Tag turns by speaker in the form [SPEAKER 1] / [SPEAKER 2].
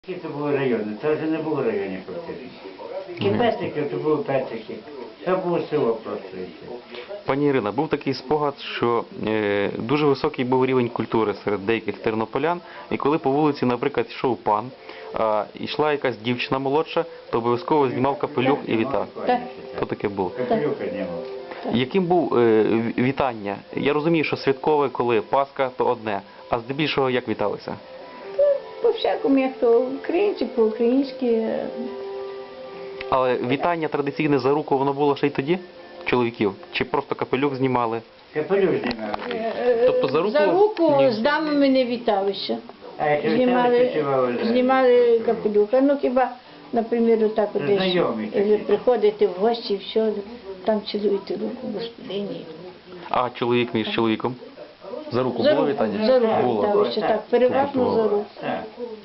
[SPEAKER 1] Які це були райони? Це вже не було районів фактично. Які Петрики, то були Петрики. Це було село просто. І все.
[SPEAKER 2] Пані Ірина, був такий спогад, що дуже високий був рівень культури серед деяких тернополян, і коли по вулиці, наприклад, йшов пан, а йшла якась дівчина молодша, то обов'язково знімав капелюх і вітав. То таке було.
[SPEAKER 1] Капелюха знімав.
[SPEAKER 2] Яким був вітання? Я розумію, що святкове, коли Пасха, то одне, а здебільшого як віталися?
[SPEAKER 3] По-всякому, як то українці, по-українськи.
[SPEAKER 2] Але вітання традиційне за руку, воно було ще й тоді? Чоловіків? Чи просто капелюх знімали?
[SPEAKER 1] Капелюх знімав.
[SPEAKER 2] Тобто за руку?
[SPEAKER 3] За руку
[SPEAKER 2] Ні.
[SPEAKER 3] з дамами не віталися.
[SPEAKER 1] А якщо вітали,
[SPEAKER 3] Знімали капелюха. Ну хіба, наприклад, отак от десь
[SPEAKER 1] Знайомі такі.
[SPEAKER 3] приходити в гості, все, там цілуєте руку господині.
[SPEAKER 2] А чоловік між чоловіком? За руку
[SPEAKER 3] За
[SPEAKER 2] було
[SPEAKER 3] руку,
[SPEAKER 2] вітання?
[SPEAKER 3] за руку
[SPEAKER 2] Було.
[SPEAKER 3] віталися, так, переважно за руку.
[SPEAKER 1] Так.